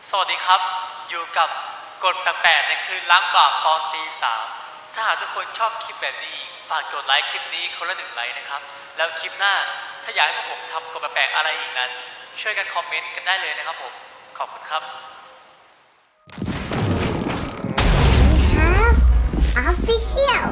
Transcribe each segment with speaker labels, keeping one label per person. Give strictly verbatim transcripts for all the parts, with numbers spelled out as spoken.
Speaker 1: สวัสดีครับอยู่กับกฎแปลกๆในคืนล้างบาปตอนตีสามถ้าหากทุกคนชอบคลิปแบบนี้ฝากกดไลค์คลิปนี้คนละหนึ่งไลค์นะครับแล้วคลิปหน้าถ้าอยากให้พวกผมทำกฎแปลกๆอะไรอีกนั้นช่วยกันคอมเมนต์กันได้เลยนะครับผมขอบคุณครับ
Speaker 2: We have official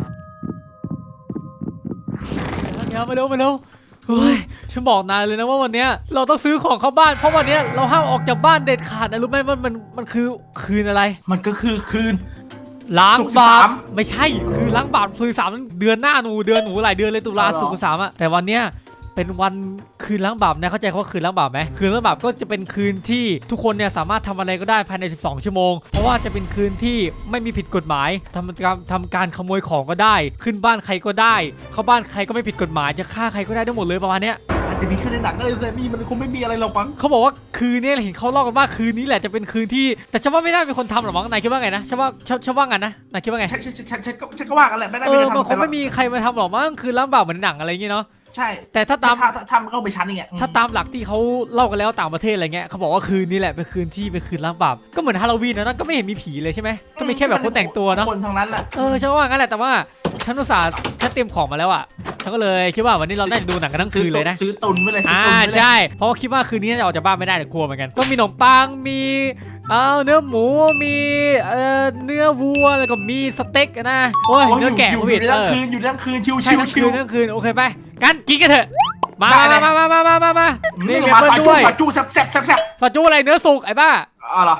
Speaker 3: เดี๋ยวมาเร็วมาเร็วเฮ้ยฉันบอกนายเลยนะว่าวันนี้เราต้องซื้อของเข้าบ้านเพราะวันนี้เราห้ามออกจากบ้านเด็ดขาดนะรู้ไหมว่ามันมันคือคืนอะไร
Speaker 4: มันก็คือคืน
Speaker 3: ล้างบาป
Speaker 4: ศุกร์สิบสาม
Speaker 3: ไม่ใช่คือล้างบาปศุกร์สิบสามเดือนหน้าหนูเดือนหนูหลายเดือนเลยตุลา
Speaker 4: อ๋อเหรอ
Speaker 3: ศุกร์สิบสามอะแต่วันเนี้ยเป็นวันคืนล้างบาปนะเข้าใจคำว่าคืนล้างบาปไหมคืนล้างบาปก็จะเป็นคืนที่ทุกคนเนี่ยสามารถทำอะไรก็ได้ภายในสิบสองชั่วโมงเพราะว่าจะเป็นคืนที่ไม่มีผิดกฎหมายทำการทำการขโมยของก็ได้ขึ้นบ้านใครก็ได้เข้าบ้านใครก็ไม่ผิดกฎหมายจะฆ่าใครก็ได้ทั้งหมดเลยประมาณเนี้ย
Speaker 4: อาจจะมีขึ้นในหนังก็เลยแต่มีมันคงไม่มีอะไรหรอกมั้ง
Speaker 3: เขาบอกว่าคืนนี้เห็นเขาเล่ากันว่าคืนนี้แหละจะเป็นคืนที่แต่ฉันว่าไม่น่ามีคนทำหรอกมั้งนายคิดว่าไงนะฉันว่าฉันฉันว่างั้นนะนายคิดว่าไง
Speaker 4: ฉันฉันฉันฉันก็ฉันก็ว่ากันแหละไม่ได้
Speaker 3: เอ
Speaker 4: ไม่
Speaker 3: อ
Speaker 4: ได้ทำ
Speaker 3: มันคงไม่มีใครมาทำหรอกมั้งคืนล้างบาปเหมือนหนังอะไรอย่างเงี้ยเนาะ
Speaker 4: ใช่
Speaker 3: แต่ถ้าตาม
Speaker 4: ถ้าทำก็ไปชั้นอย่างเงี้ย
Speaker 3: ถ้าตามหลักที่เขาเล่ากันแล้วต่างประเทศอะไรเงี้ยเขาบอกว่าคืนนี้แหละเป็นคืนที่เป็นคืนล้างบาปก็เหมือนฮาโลวีนนะนั่นก็ไม่เห็นมีผีเลยใช่ไหมก็มีแค่แบบคนแต่งตัวเนาะ
Speaker 4: คนทั้งนั้นแหละ
Speaker 3: เออฉันว่างั้นแหละแต่ว่าฉันอุตส่าห์ฉันเตรียมของมาแล้วอ่ะฉันก็เลยคิดว่าวันนี้เราได้ดูหนังกันทั้งคืนเลยนะ
Speaker 4: ซื้อตุนไว้เลยซื้อ
Speaker 3: อ่า
Speaker 4: ตุนไว้เลย
Speaker 3: ใช่เพราะว่าคิดว่าคืนนี้น่าจะออกจากบ้านไม่ได้เดี๋ยวกลัวเหมือนกันก็มีขนมปังมีเอาเนื้อหมูมีเอ่อเนื้อวัวแล้วก็มีสเต็กนะโอ้ย
Speaker 4: โอ้ย
Speaker 3: เนื้อแกะ
Speaker 4: อยู่
Speaker 3: ผู้
Speaker 4: อ
Speaker 3: ผิด
Speaker 4: ยู่ใน
Speaker 3: เอ
Speaker 4: ทั้ง
Speaker 3: อ
Speaker 4: คืนอยู่ในทั้งคืนชิว
Speaker 3: ใช่
Speaker 4: ชิว
Speaker 3: ทั้ง
Speaker 4: ชิ
Speaker 3: คื
Speaker 4: วน
Speaker 3: ทั้งคืนโอเคไปกันกินกันเถอะมา
Speaker 4: ได้เลย
Speaker 3: มามามามามามานี่มี
Speaker 4: มา
Speaker 3: เพื่อน
Speaker 4: ซาจู
Speaker 3: ด้วย
Speaker 4: ซาจูแซ่บแซ่บแซ่บแซ่บ
Speaker 3: ซาจูอะไรเนื้อสุกไอ้บ้า
Speaker 4: อ๋อเหรอ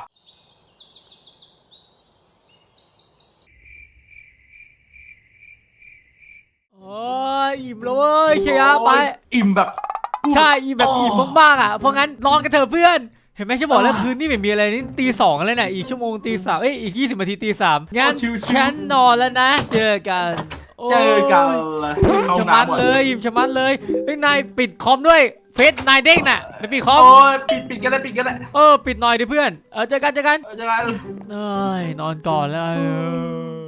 Speaker 3: โอ้ยอิ่มเลยเชียร์ไป
Speaker 4: อิ่มแบบ
Speaker 3: ใช่อิ่มแบบอิ่มมากๆอ่ะเพราะงั้นนอนกันเถอะเพื่อนเห็นไหมฉันบอกแล้วคืนนี้ไม่มีอะไรนี่ตีสองแล้วเนี่ยอีกชั่วโมงตีสามเอ้ยอีกยี่สิบนาทีตีสามงั้นฉันนอนแล้วนะเจอกันโย
Speaker 4: เจอกันเลย
Speaker 3: อิ่มชะมัดเลยอิ่มชะมัดเลยเฮ้ยนายปิดคอมด้วยเฟซนายเด้งน่ะไปปิดคอม
Speaker 4: โอ้ยปิดปิดกันได้ปิดกันได้
Speaker 3: เออปิดหน่อยดิเพื่อนเออเจอกันเจอกัน
Speaker 4: เจอกัน
Speaker 3: เอ้ยนอนก่อนแล้วเออ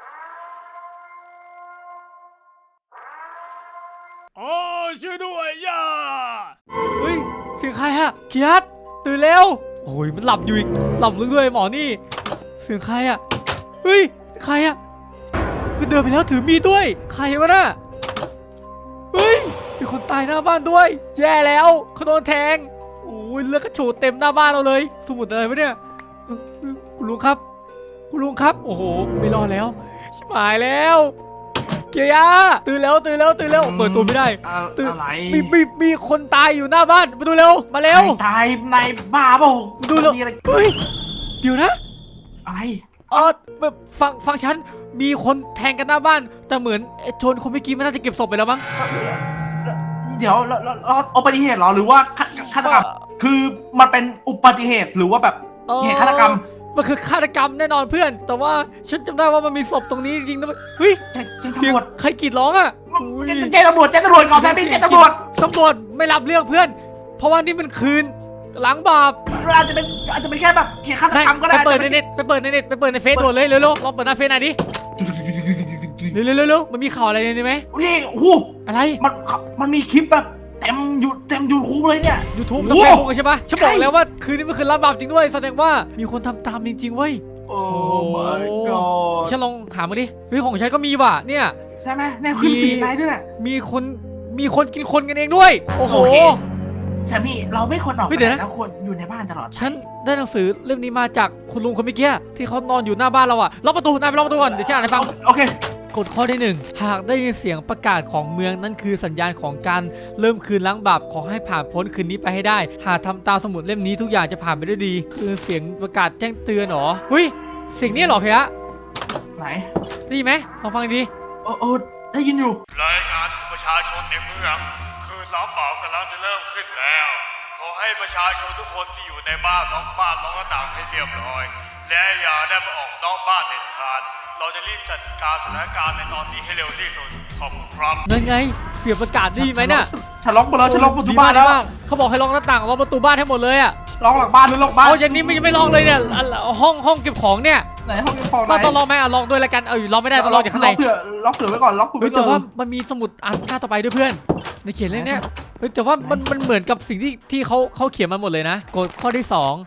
Speaker 3: โอ้ช่วยด้วยย่าเฮ้ยเสียงใครฮะเกียรติตื่นเร็วโอ้ยมันหลับอยู่อีกหลับเรื่อยๆหมอนี่เสียงใครอะเฮ้ยใครอะคือเดินไปแล้วถือมีดด้วยใครวะน่ะเฮ้ยมีคนตายหน้าบ้านด้วยแย่แล้วเขาโดนแทงโอ้ยเลือดกระโฉดเต็มหน้าบ้านเราเลยสมุดอะไรวะเนี่ยคุณลุงครับคุณลุงครับโอ้โหไม่รอดแล้วชิบหายแล้วเกียร์ตื่นแล้วตื่นแล้วตื่นแล้วเปิดตัวไม่ได้ ตื่น
Speaker 4: อะไร
Speaker 3: มีมีมีคนตายอยู่หน้าบ้านมาดูเร็วมาเร็ว
Speaker 4: ตายในบ้าเปล่า
Speaker 3: ดูแล้ว
Speaker 4: มีอะไร
Speaker 3: เฮ้ยเดี๋ยวนะ
Speaker 4: อะไร
Speaker 3: เออแบบฟังฟังฉันมีคนแทงกันหน้าบ้านแต่เหมือนไอ้โจรคนเมื่อกี้มันน่าจะเก็บศพไปแล้วมั้ง
Speaker 4: เดี๋ยวเราเราเราอุบัติเหตุเหรอหรือว่าฆาฆาตกรรมคือมันเป็นอุบัติเหตุหรือว่าแบบ
Speaker 3: เอ่อ
Speaker 4: เหตุฆาตกรรม
Speaker 3: มันคือฆาตกรรมแน่นอนเพื่อน แต่ว่าฉันจำได้ว่ามันมีศพตรงนี้จริงๆนะเฮ้ย
Speaker 4: แจ้งแจ้ง
Speaker 3: เสียง
Speaker 4: ตำรวจ
Speaker 3: ใครกรีดร้องอ่ะอุ้ย
Speaker 4: แจ้งแจ้งตำรวจแจ้งตำรวจก่อนแซมมี่แจ้งตำรวจ
Speaker 3: ตำรวจไม่รับเรื่องเพื่อน เพราะว่านี่มันคืนล้างบาป
Speaker 4: อาจจะเป็นอาจจะเป็นแค่แบบเหตุฆาตกรรมก็ได้
Speaker 3: ไปเปิดในเน็ตไปเปิดในเน็ตไปเปิดในเฟซด่วนเลยเร็วๆลองเปิดหน้าเฟซหน่อยดิเร็วๆเร็วๆมันมีข่าวอะไรในนี้ไหม
Speaker 4: นี่โอ้โห
Speaker 3: อะไร
Speaker 4: มันมันมีคลิปแบบเต็มอยู่เต็มยูทูบเลยเนี่ย
Speaker 3: YouTube
Speaker 4: โอ้
Speaker 3: กับ
Speaker 4: โห
Speaker 3: เฟซบุ๊กใช่ปะฉันบอกแล้วว่าคืนนี้มันคือล้างบาปจริงด้วยแสดงว่ามีคนทำตามจริงๆเว้ย
Speaker 4: โอ้ my god
Speaker 3: ฉันลองหามาดิเฮ้ยของฉันก็มีว่ะเนี่ย
Speaker 4: ใช่ไหมแน่ขึ้นฟีดไลน์ด้วยแหละ
Speaker 3: มีคนมีคนกินคนกันเองด้วยโอ้โห
Speaker 4: โอเค แซมมี่เราไม่ควรออกไป
Speaker 3: เฮ้ยเดี๋ยวนะ
Speaker 4: แล้วควรอยู่ในบ้านตลอด
Speaker 3: ฉันได้หนังสือเล่มนี้มาจากคุณลุงคนเมื่อกี้ที่เขานอนอยู่หน้าบ้านเราอะล็อกประตูนายไปล็อกประตูก่อนเดี๋ยวฉันอ่านให้ฟัง
Speaker 4: โอเค
Speaker 3: กฎข้อที่หนึ่งหากได้ยินเสียงประกาศของเมืองนั่นคือสัญญาณของการเริ่มคืนล้างบาปขอให้ผ่านพ้นคืนนี้ไปให้ได้หากทำตามสมุดเล่มนี้ทุกอย่างจะผ่านไปได้ดี คือเสียงประกาศแจ้งเตือนเหรอเฮ้ยเสียงนี้เหรอเพียะ
Speaker 4: ไหน
Speaker 3: ได้ยินไหมลองฟังดี
Speaker 4: โอ้โอ้ได้ยินอยู่
Speaker 1: รายงานถึงประชาชนในเมืองคืนล้างบาปกำลังจะเริ่มขึ้นแล้วขอให้ประชาชนทุกคนที่อยู่ในบ้านล็อกบ้านล็อกหน้าต่างให้เรียบร้อยและอย่าได้มาออกนอกบ้านเด็ดขาดเราจะรีบจัดการสถานการณ์ในตอนนี้ให้เร็วที่สุดขอบคุณครับ
Speaker 3: นั่นไงเสียงประกาศได้ยินไหมเนี่ย
Speaker 4: ฉันล็อกหมดแล้วฉันล็อกประตู
Speaker 3: ดี
Speaker 4: บ้าม
Speaker 3: าน ก
Speaker 4: แล้ว
Speaker 3: ดีมากเขาบอกให้ล็อกหน้าต่างล็อกประตูบ้านให้หมดเลยอะ
Speaker 4: ล็อกหลังบ้านหรือล็อกบ้าน
Speaker 3: เอาอย่างนี้ไม่ไม่ล็อกเลยเนี่ยอ่ะห้องห้องเก็บของเนี่ย
Speaker 4: ไหนห้องเก็บของไหน
Speaker 3: ต้องต้องล็อกไหมอ่ะล็อกด้วยแล้วกันเออล็อกไม่ได้ต้องล็อกจากข้างใน
Speaker 4: ล็อกเผื่อล็อกเผื่อไว้ก่อนล็อกเผื่อ
Speaker 3: เฮ้
Speaker 4: ไว้
Speaker 3: ยแต่
Speaker 4: ก่อ
Speaker 3: ว่าน มันมีสมุดอ่านหน้าต่อไปด้วยเพื่อนในเขียนเรื่องเนี้ยเฮ้ยแต่ว่ามันมันเหมือนกับสิ่งที่ที่เขาเขาเขียนมาหมดเลยนะกฎข้อที่สอง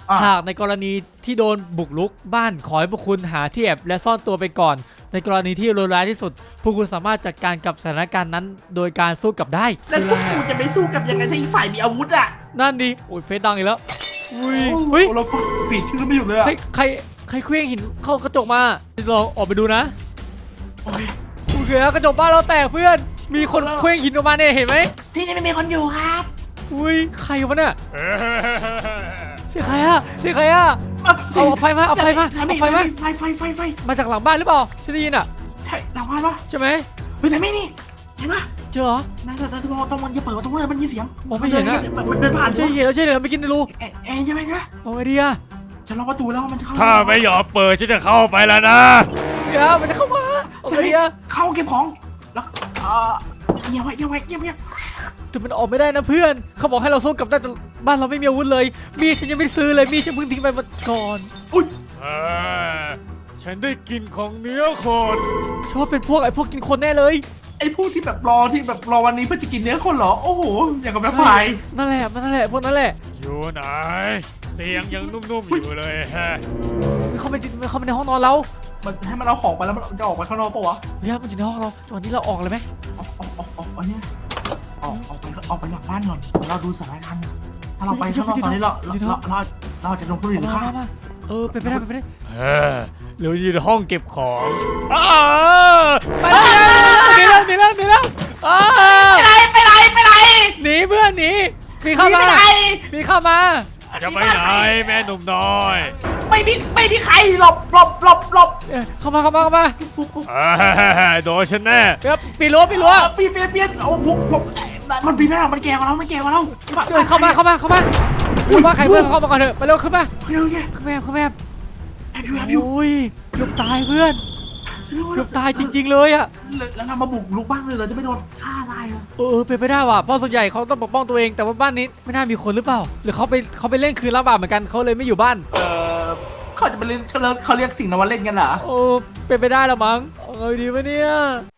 Speaker 4: อ่ะ
Speaker 3: หากในกรณีที่โดนบุกรุกบ้านขอให้พวกคุณหาที่แอบและซ่อนตัวไปก่อน ในกรณีที่เลวร้ายที่สุด พวกคุณสามารถจัดการกับสถานการณ์นั้น โดยการสู้กลับได้
Speaker 4: แล้วพวกกูจะไปสู้กับยังไงถ้าอีกฝ่ายมีอาวุธอ่ะ
Speaker 3: นั่นดิโอ้ยเฟซดังอีกแล้วอุ้ย
Speaker 4: โอ้โห
Speaker 3: เฮ้ย
Speaker 4: เราฝีดชื่อไม่หยุดเลยอ่ะ
Speaker 3: ใครใครใครเคลื่องหินเข้ากระจกมาเราออกไปดูนะ
Speaker 4: โอ้ย
Speaker 3: โอเคกระจกบ้านเราแตกเพื่อนมีคนเคลื่องหินออกมาเนี่ยเห็นไหม
Speaker 4: ที่นี่ไม่มีคนอยู่ครับ
Speaker 3: อุ้ยใครวะเนี่ยเสียงใครอะเสียงใครอะ
Speaker 4: เอา
Speaker 3: เอาไฟมาเอาไฟมา
Speaker 4: สามี
Speaker 3: เอาไฟมา
Speaker 4: ไฟไฟไฟไฟ
Speaker 3: มาจากหลังบ้านหรือเปล่าฉันได้ยินอะ
Speaker 4: ใช่หลังบ้านปะ
Speaker 3: ใช่ไหม
Speaker 4: เฮ้ยแต่ไม่นี่เห็นปะ
Speaker 3: เจอเหรอ
Speaker 4: นายแต่แต่ตรงมันจะเปิดประตูเลยมันยินเสียง
Speaker 3: มองไม่เห็นอะ
Speaker 4: มันเดินผ่าน
Speaker 3: ใช่เห็นแล้วใช่เห็นแล้วไม่กินในรู
Speaker 4: เอ๊ะเอ๊ะใช่ไหมคะ
Speaker 3: เอาไงดีอะ
Speaker 4: จะล็อกประตูแล้วมันจะเข้า
Speaker 1: ถ้าไม่ยอมเปิดฉันจะเข้าไปแล้วนะ
Speaker 3: เดี๋ยวมันจะเข้ามาเอาไงดีอะ
Speaker 4: เข้าเก็บของแล้วเอ่อเงียบไว้เงียบไว้เงียบเงียบ
Speaker 3: แต่มันออกไม่ได้นะเพื่อนเขาบอกให้เราสู้กลับได้แต่บ้านเราไม่มีอาวุธเลยมีดฉันยังไม่ซื้อเลยมีดฉันเพิ่งทิ้งไปเมื่อก่อน
Speaker 4: อุ้ย
Speaker 1: เออฉันได้กลินของเนื้อคน
Speaker 3: ฉันว่าเป็นพวกไอ้พวกกินคนแน่เลย
Speaker 4: ไอ้พวกที่แบบรอที่แบบรอวันนี้เพื่อจะกินเนื้อคนเหรอโอ้โหอย่างกับแม่พาย
Speaker 3: นั่นแหละมันนั่นแหละพวกนั้นแหละ
Speaker 1: อยู่ไหนเตียงยังนุ่มๆอยู่เลยฮะ
Speaker 3: มันเข้าไปมันเข้าไปในห้องนอนเรา
Speaker 4: มันให้มันเอาของไปแล้วมันจะออกไปข้างนอกปะวะ
Speaker 3: เฮ้ยมันอยู่ในห้องเราจังหวะนี้เราออกเลยไหม
Speaker 4: ออกออกออกออกอันเนี้ยออกออกไปออกไปหลังบ้านก่อนเราดูสถานการณ์ถ้าเราไปข้างนอกตอนนี้เราเราเราเราเราจะโดนคนอื่น
Speaker 3: มา
Speaker 4: ฆ่า
Speaker 3: มามาเออเป็นไปได้เป็นไปได้
Speaker 1: เออหรืออยู่ในห้องเก็บของอ้า
Speaker 3: ไปแล้วหนีแล้วหนีแล้วหนีแล้วอ้า
Speaker 4: ไปไหนไปไหนไปไหน
Speaker 3: หนีเพื่อนหนีมีเข้ามา
Speaker 4: ไปไหน
Speaker 3: มีเข้ามา
Speaker 1: จะไปไหนแม่หนุ่มน้อย
Speaker 4: ไม่มีไม่มีใครหลบหลบหลบหลบ
Speaker 3: เอ้ยเข้ามาเข้ามาเข้ามา
Speaker 1: เอ้ยโดนฉันแน่
Speaker 3: เดี๋ยวปีนรั้วปีนรั้ว
Speaker 4: ปีนปีนปีนโอ้ผมผมมันปีนไม่ได้มันแก่กว่าเรามันแก่กว่าเรา
Speaker 3: เอ้ยเข้ามาเข้ามาเข้ามาเข้ามาใครเพื่อนเข้ามาก่อนเถอะไปเร็วขึ้นมา
Speaker 4: โอเคโอเค
Speaker 3: ขึ้นแม่ขึ้นแม่
Speaker 4: แอบอยู่แอบอยู่
Speaker 3: โอ้ยเกือบตายเพื่อนเกือบตายจริง ๆ เลยอะ
Speaker 4: แล้วเรามาบุกลุกบ้างเลยเราจะไม่โดนฆ่าตายอ่ะ
Speaker 3: เออเป็นไปได้ว่ะเพราะส่วนใหญ่เขาต้องปกป้องตัวเองแต่ว่าบ้านนี้ไม่น่ามีคนหรือเปล่าหรือเขาไปเขาไปเล่นคืนรับบาปเหมือนกันเขาเลยไม่อยู่บ้าน
Speaker 4: เออเขาจะไปเล่นเขาเรียกเขาเรียกสิ่งนั้นว่าเล่นกันเหรอ
Speaker 3: โอ้เป็นไปได้ละมั้งเอาไงดีวะเนี่ย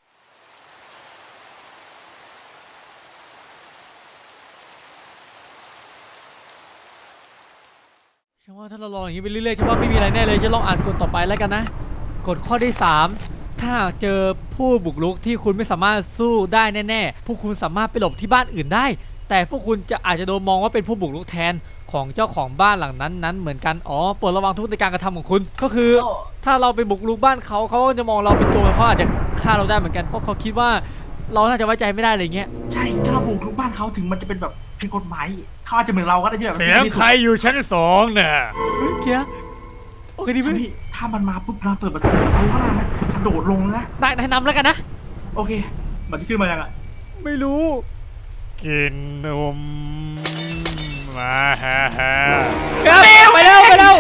Speaker 3: ฉันว่าถ้าเราลองอย่างนี้ไปเรื่อยๆฉันว่าไม่มีอะไรแน่เลยฉันลองอ่านกฎต่อไปแล้วกันนะกฎข้อที่สามถ้าหากเจอผู้บุกรุกที่คุณไม่สามารถสู้ได้แน่ๆพวกคุณสามารถไปหลบที่บ้านอื่นได้ แต่พวกคุณจะอาจจะโดนมองว่าเป็นผู้บุกรุกแทนของเจ้าของบ้านหลังนั้นนั้นเหมือนกันอ๋อโปรดระวังทุกในการกระทำของคุณก็คือ ถ้าเราไปบุกรุกบ้านเขาเขาก็จะมองเราเป็นโจรเขาอาจจะฆ่าเราได้เหมือนกันเพราะเขาคิดว่าเราน่าจะไว้ใจไม่ได้อะไรเงี้ย
Speaker 4: ใช่ถ้าเราบุกลุกบ้านเขาถึงมันจะเป็นแบบผิดกฎหมายเขาอาจจะเหมือนเราก็ได้ที่แบบ
Speaker 1: เสียงใครอยู่ชั้นสองเนี่ย
Speaker 3: เฮ้ยเกียร์โอเคดีไหม
Speaker 4: พี่ถ้ามันมาปุ๊บเราเปิดประตูประตูข้างหน้าไหมกระโดดลงนะ
Speaker 3: นายนายนำแล้วกันนะ
Speaker 4: โอเค มันจะขึ้นมายังอ่ะ
Speaker 3: ไม่รู้
Speaker 1: กินนมมาฮ่าฮ่า
Speaker 3: เกียร์ไปเร็วไปเร็ว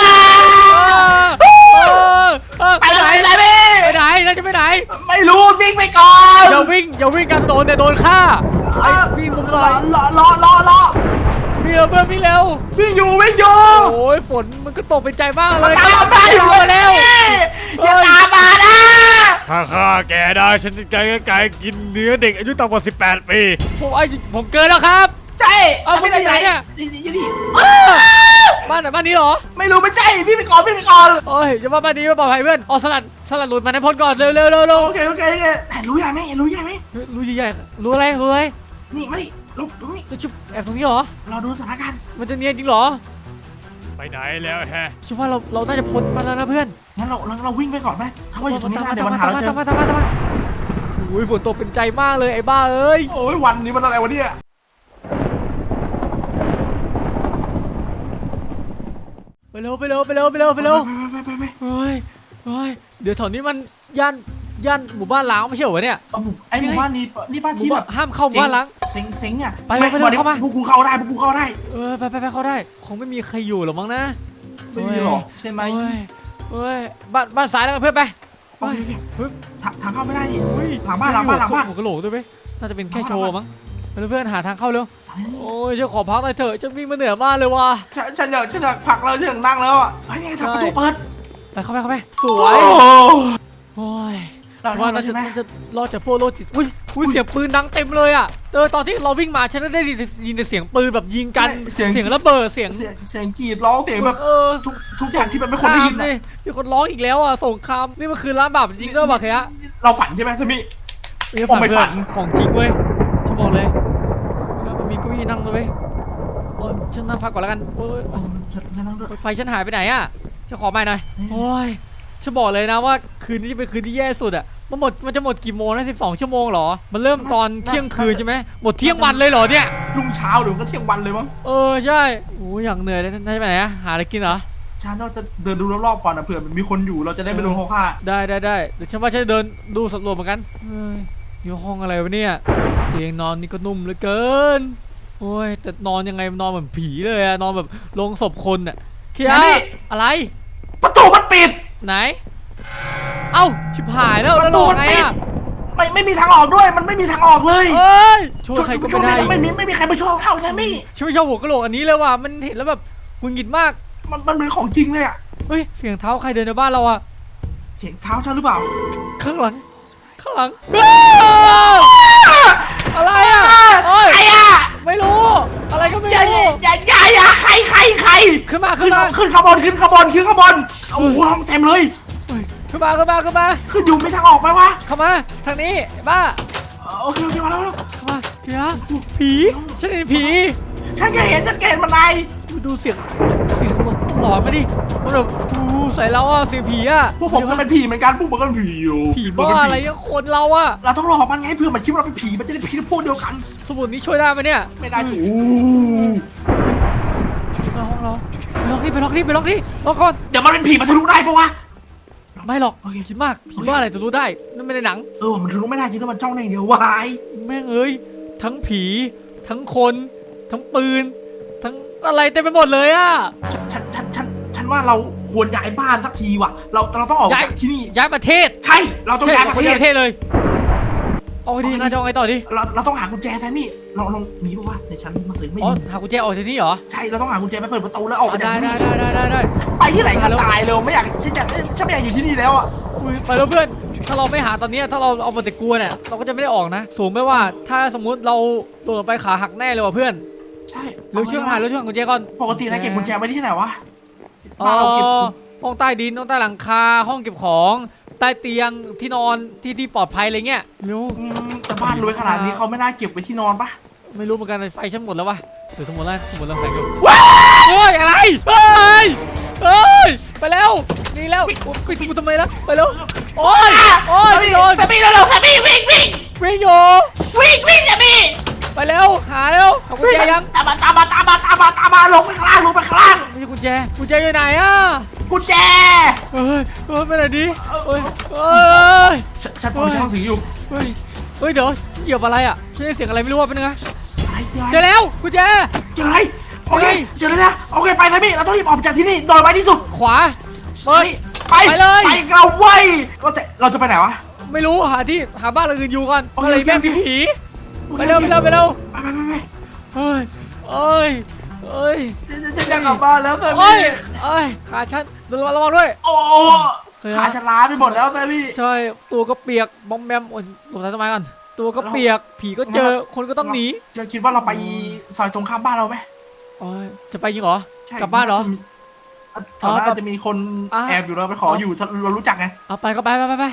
Speaker 3: ไปไหน
Speaker 4: ไปไหนพี่
Speaker 3: ไปไหนเราจะไปไหน
Speaker 4: ไม่รู้วิ่งไปก่อน
Speaker 3: อย่าวิ่งอย่าวิ่งกันโดนแต่โดนฆ่าไอ้วิ่งมุมลอย
Speaker 4: รอรอรอรอ
Speaker 3: วิ่งเร็วเพื่อนวิ่งเร็ว
Speaker 4: วิ่งอยู่วิ่งอยู่
Speaker 3: โอ้ยฝนมันก็ตกเป็นใจมากเล
Speaker 4: มัน
Speaker 3: ย
Speaker 4: ตามมาอยู่
Speaker 3: มาแล้ว
Speaker 4: อย่าตามมานะ
Speaker 1: ถ้าฆ่าแกได้ฉันจะไกลไกลกินเนื้อเด็กอายุต่ำกว่าสิบแปดปี
Speaker 3: ผมไอ้ผมเกินแล้วครับ
Speaker 4: ใช่
Speaker 3: เอาไปไหนเนี่ย
Speaker 4: นี่นี่นี่
Speaker 3: บ้านไหนบ้านนี้เหรอ
Speaker 4: ไม่รู้ไม่ใช่พี่ไปก่อนพี่ไปก่อน
Speaker 3: โอ้ยอย่าว่าบ้านนี้ไม่ปลอดภัยเพื่อนเอาสลัดสลัดหลุดมาในพ้นก่อนเร็วเร็วเร็วเร็ว
Speaker 4: โอเคโอเคโอเคไหนรู้ยังไหมรู้ยังไหม
Speaker 3: รู้ใหญ่ๆรู้อะไรรู้อะไร
Speaker 4: นี่มาดิลุกตรงนี้
Speaker 3: จะชุบแอบตรงนี้เหรอ
Speaker 4: เราดูสถานการณ์
Speaker 3: มันจะเนียนจริงเหรอ
Speaker 1: ไปไหนแล้วฮะ
Speaker 3: ฉันว่าเราเราน่าจะพ้นมาแล้วนะเพื่อน
Speaker 4: งั้นเราเราเราวิ่งไปก่อนไหมถ้าว่าอยู่ตรงนี้
Speaker 3: ตาม
Speaker 4: นะ
Speaker 3: มา
Speaker 4: เดี๋ยว
Speaker 3: ตาม
Speaker 4: มัน
Speaker 3: มา
Speaker 4: หา
Speaker 3: ตาม
Speaker 4: เรา
Speaker 3: มา
Speaker 4: เจ
Speaker 3: ตาม
Speaker 4: อ
Speaker 3: มาตามมาตามมาโอ้ยฝนตกเป็นใจมากเลยไอ้บ้าเอ้ย
Speaker 4: โอ้ยวันนี้มันอะไรวะเนี่ย
Speaker 3: ไปเร็วไปเร็วไปเร็วไปเร็วไปเร็ว
Speaker 4: ไปไปไปไป
Speaker 3: เฮ้ยเฮ้ยเดี๋ยวแถวนี้มันย่านย่านหมู่บ้านล้างไม่ใช่เหรอเนี่ย
Speaker 4: เอาหมู่ไอ้หมู่บ้านนี้นี่บ้าน
Speaker 3: หมู่
Speaker 4: ที่แบ
Speaker 3: บ้าน
Speaker 4: บ
Speaker 3: ห้ามเข้าหมู่บ้านล้าง
Speaker 4: เซ็งเซ็งอ่ะ
Speaker 3: ไปเลยไปเลย
Speaker 4: ดี๋ยว
Speaker 3: เข้ามา
Speaker 4: พวกกูเข้าได้พวกกูเข้าได้
Speaker 3: เออไปไปไปเข้าได้คงไม่มีใครอยู่หรอกมั้งนะ
Speaker 4: ไม่มีหรอใช่ไหม
Speaker 3: เฮ้ยเฮ้ยบ้านบ้านซ้ายแล้วกันเพื่อนไป
Speaker 4: โอเคโอเค
Speaker 3: เฮ้ย
Speaker 4: ทางทางเข้าไม่ได้ดิ
Speaker 3: เฮ้ย
Speaker 4: หลังบ้านหลังบ้านหลังบ้าน
Speaker 3: หัวกะโหลกด้วยไหมน่าจะเป็นแค่โชว์มั้งไปเพื่อนหาทางเข้าเร็วโอ้ยฉันขอพักหน่อยเถอะฉันวิ่งมาเหนื่อยมากเลยว่ะ
Speaker 4: ฉันฉันอยากฉันอยากผลักเราฉันอยากนั่งแล้วอ่ะเฮ้ยนี่ทางประตูเปิด
Speaker 3: ไปเข้าไปเข้าไปสว
Speaker 4: โอ้
Speaker 3: ย
Speaker 4: โห
Speaker 3: โอ้ย
Speaker 4: เรา
Speaker 3: ว่า
Speaker 4: เรา
Speaker 3: เรา
Speaker 4: ใช่
Speaker 3: จะ
Speaker 4: ไหม
Speaker 3: จะรอดจากพวกโรคจิตอุ้ยอุ้ยเสียงปืนดังเต็มเลยอ่ะเออตอนที่เราวิ่งมาฉันก็ได้ยินแต่เสียงปืนแบบยิงกันเสียงระเบิดเสียง
Speaker 4: เสียงเสียงกรีดร้องเสียงแบบ
Speaker 3: เออ
Speaker 4: ทุกทุกอย่างที่มันไม่ควรได้ยิน
Speaker 3: เล
Speaker 4: นะ
Speaker 3: ยมีคนร้องอีกแล้วอ่ะสงครามนี่มันคือร้านแบบจริงก็บอกแค่
Speaker 4: เราฝันใช่ไหมสมิ
Speaker 3: ไม่
Speaker 4: ผมไม่ฝัน
Speaker 3: ของจริงเว้ยฉันบอกเลยแล้วมันมีเก้าอี้นั่งด้วยเว้ยฉันนั่งพักก่อนแล้วกันโอ้ย
Speaker 4: โอ้ฉันฉันนั่งด้วย
Speaker 3: ไฟฉันหายไปไหนอ่ะฉันขอใหม่หน่อยโอ้ยฉันบอกเลยนะว่าคืนนี้เป็นคืนที่แย่สุดอ่ะมันหมดมันจะหมดกี่โมงนะสิบสองชั่วโมงเหรอมันเริ่มตอนเที่ยงคืนใช่ไหมหมดเที่ยงวันเลยเหรอเนี่ย
Speaker 4: รุ่งเช้าหรือก็เที่ยงวันเลยมั้ง
Speaker 3: เออใช่โอ้ยอย่างเหนื่อยเลยนายจะไปไหนอะหาอะไรกินเหรอ
Speaker 4: ฉันเราจะเดินดูรอบๆก่อนนะเผื่อมันมีคนอยู่เราจะได้ไม่โดนเขาฆ่า
Speaker 3: ได้ได้ได้เดี๋ยวฉันว่าฉันจะเดินดูสำรวจเหมือนกันเฮ้ยอยู่ห้องอะไรวะเนี่ยเตียงนอนนี่ก็นุ่มเหลือเกินโอ้ยแต่นอนยังไงนอนเหมือนผีเลยอะนอนแบบลงศพคนอะเคียอะไร
Speaker 4: ประตูมันปิด
Speaker 3: ไหนเอ้าชิบหายแล้ว
Speaker 4: ป
Speaker 3: แล้ว
Speaker 4: ระ
Speaker 3: หล
Speaker 4: ตู
Speaker 3: อก
Speaker 4: มัน
Speaker 3: ไง
Speaker 4: ปิด
Speaker 3: อะ
Speaker 4: ไม่ไม่มีทางออกด้วยมันไม่มีทางออกเลย
Speaker 3: เอ้ยช่วยใครก็
Speaker 4: ช่ว
Speaker 3: ไม่
Speaker 4: ง
Speaker 3: ได้
Speaker 4: นี้ไม่มีไม่มีใครมาช่วยเข้าใช่ไหม
Speaker 3: ฉันไม่ชอบหัวกะโหลกอันนี้เลยว่ะมันเห็นแล้วแบบหงุดหงิดมาก
Speaker 4: มันมันเป็นของจริงเลยอะ
Speaker 3: เฮ้ยเสียงเท้าใครเดินในบ้านเราอะ
Speaker 4: เสียงเท้าฉันหรือเปล่า
Speaker 3: ข้างหลัง ข้างหลังอ้าวอะไรอ่ะโอ้ย
Speaker 4: ไอ้อะ
Speaker 3: ไม่รู้ อะไรก็ไม่
Speaker 4: อย่า
Speaker 3: รู้
Speaker 4: อย่าอย่าอย่าใครใครใคร
Speaker 3: ขึ้นมา
Speaker 4: ขึ้
Speaker 3: ขึ้
Speaker 4: น
Speaker 3: นมา
Speaker 4: ขึ้นขบวนขึ้นขบวนขึ้นขบวนโอ้โหห้องเต็มเลย
Speaker 3: ขึ้นมาขึ้นมาขึ้นมา
Speaker 4: ขึ้นอยู่ไม่ทางออกไหมวะ
Speaker 3: เข้ามาทางนี้บ้า
Speaker 4: เออโอเคโอเคมาแล้วมาแล้ว
Speaker 3: เข้ามาเพียผีฉันเห็นผี
Speaker 4: ฉันแค่เห็นฉันแค่เห็นมันไง
Speaker 3: ดูเสียงเสียงหลอนมาดิมันแบบอู้ใส่เราอ่ะเสียงผีอ่ะ
Speaker 4: พวกผมก็เป็นผีเหมือนกันพวกผมก็เป็นผีอยู่
Speaker 3: ผีบ้าอะไรอะคนเราอ่ะ
Speaker 4: เราต้องหลอกมันไงเพื่อมันคิดว่าเราเป็นผีมันจะได้ผีพวกเดียวกัน
Speaker 3: สมุดนี้ช่วยได้ไหมเนี่ย
Speaker 4: ไม่ได้จู
Speaker 3: มาห้องเราไปล็อกนี่ไปล็อกนี่ไปล็อกนี่ล็อกก่อน
Speaker 4: เดี๋ยวมันเป็นผีมันทะลุได้ปะวะ
Speaker 3: ไม่หรอก
Speaker 4: โอเค
Speaker 3: คิดมากผีบ้าอะไรจะรู้ได้นั่นไม่ในหนัง
Speaker 4: เออมันทะลุไม่ได้จริงด้วยมันจ้องในอย่างเดียววาย
Speaker 3: แม่งเอ้ยทั้งผีทั้งคนทั้งปืน ทั้งอะไรเต็มไปหมดเลยอ่ะ
Speaker 4: ฉันฉันฉันฉันฉันว่าเราควรย้ายบ้านสักทีว่ะเราเราต้องออก
Speaker 3: ย้าย
Speaker 4: จากที่นี่
Speaker 3: ย้ายประเทศ
Speaker 4: ใช่เราต้อง
Speaker 3: ใช่
Speaker 4: ย้ายประ
Speaker 3: คน
Speaker 4: เท
Speaker 3: ย้าย
Speaker 4: ศ
Speaker 3: ประเทศเลยเอาไงดีน่าจะเอาไงต่อดี
Speaker 4: เราเราต้องหากุญแจแซมมี่เราเรามีปะวะในชั้นมาซื้อไม่
Speaker 3: อ๋อ
Speaker 4: มี
Speaker 3: หากุญแจออกจากนี่เหรอ
Speaker 4: ใช่เราต้องหากุญแจไปเปิดประตูแล้วออก
Speaker 3: อ๋
Speaker 4: ไป
Speaker 3: อ
Speaker 4: จาก
Speaker 3: ได้
Speaker 4: ที่
Speaker 3: ได้
Speaker 4: นี่
Speaker 3: ได้ได้ได้
Speaker 4: ไปที่ไหนกันตายเลยไม่อยากฉันอยากฉันไม่อยากอยู่ที่นี่แล้วอ่ะ
Speaker 3: อุ้ยไปแล้วเพื่อนถ้าเราไม่หาตอนนี้ถ้าเราเอาแต่กลัวเนี่ยเราก็จะไม่ได้ออกนะสูงไม่ว่าถ้าสมมุติเราโดดลงไปขาหักแน่เลยว่ะเพื่อน
Speaker 4: ใช่
Speaker 3: เร็วช่วยหาเร็วช่วยหากุญแจก่อน
Speaker 4: ปกตินายเก็บกุญแจไว้ที่ไหนวะ
Speaker 3: อ๋
Speaker 4: บ้านเราเก็บ
Speaker 3: อห้องใต้ดินห้องใต้หลังคาห้องเก็บของใต้เตียงที่นอนที่ที่ปลอดภัยอะไรเงี้ยเร็ว
Speaker 4: อืมแต่บ้านรวยขนาดนี้เขาไม่น่าเก็บไว้ที่นอนปะ
Speaker 3: ไม่รู้เหมือนกันไฟฉันหมดแล้ววะเดี๋ยวสมมติแล้วสมมติเราแสงอยู่เฮ้ยอะไรเฮ้ยเฮ้ยไปแล้วนี่แล้วปิดกูทำไมล่ะไปแล้วโอ้ยโอ้ยไม่โดน
Speaker 4: แซมมี่เร็วๆแซมมี่วิ่งวิ่ง
Speaker 3: วิ่งอยู่
Speaker 4: วิ่งวิ่งแซมมี่
Speaker 3: ไปแล้วหาแล้วหากุญแจยัง
Speaker 4: ตามมาตามมาตามมาตามมาตามมาลงไปข้างล่างลงไปข้างล่าง
Speaker 3: ไม่ใช่กุญแจกุญแจอยู่ไหนอ่ะ
Speaker 4: กุญแจ
Speaker 3: เฮ้ยเฮ้ยไปไหนดิเฮ้ยเฮ้ย
Speaker 4: ฉันฉันผมช่างสีอยู่
Speaker 3: เฮ้ยเฮ้ยเดี๋ยวเหยียบอะไรอ่ะฉันได้เสียงอะไรไม่รู้ว่าเป็นไง
Speaker 4: ไอ้เจอ
Speaker 3: เจอแล้วกุญแจ
Speaker 4: เจออะไรโอเค
Speaker 3: เฮ้ย
Speaker 4: เจอแล้วนะโอเคไปแซมมี่เราต้องรีบออกจากที่นี่โดยไวที่สุด
Speaker 3: ขวาเปิด
Speaker 4: ไป
Speaker 3: ไปเลย
Speaker 4: ไปเราไว้ก็จะเราจะไปไหนวะ
Speaker 3: ไม่รู้หาที่หาบ้านหลังอื่นอยู่ก่อน
Speaker 4: โอเค
Speaker 3: อะไรแม่ง
Speaker 4: โอเค
Speaker 3: มีผีไปเร็วไปเร็วไปเร็ว
Speaker 4: ไปไปไปไป
Speaker 3: เฮ้ยเอ้ยเอ้ย
Speaker 4: จะจะจะจะกลับบ้านแล้วแซม
Speaker 3: เอ้
Speaker 4: มี่
Speaker 3: ยเอ้ยขาฉันระวังระวังด้วย
Speaker 4: โอ้ขาฉันล้าไปหมดแล้วแซมมี่
Speaker 3: ใช่ตัวก็เปียกบอมแบมโอ้ยหลบใต้ต้นไม้ก่อนตัวก็เปียกผีก็เจอคนก็ต้องหนี
Speaker 4: จะคิดว่าเราไปซอยตรงข้ามบ้านเราไหม
Speaker 3: โอ้ยจะไปยิงเหรอ
Speaker 4: ใช่
Speaker 3: กลับบ้านเหรอ
Speaker 4: แถวนั้นจะมีคน
Speaker 3: อ่ะ
Speaker 4: แอบอยู่เราไปขออยู่ถ้าเรารู้จักไง
Speaker 3: เอาไปก็ไปไปไปไป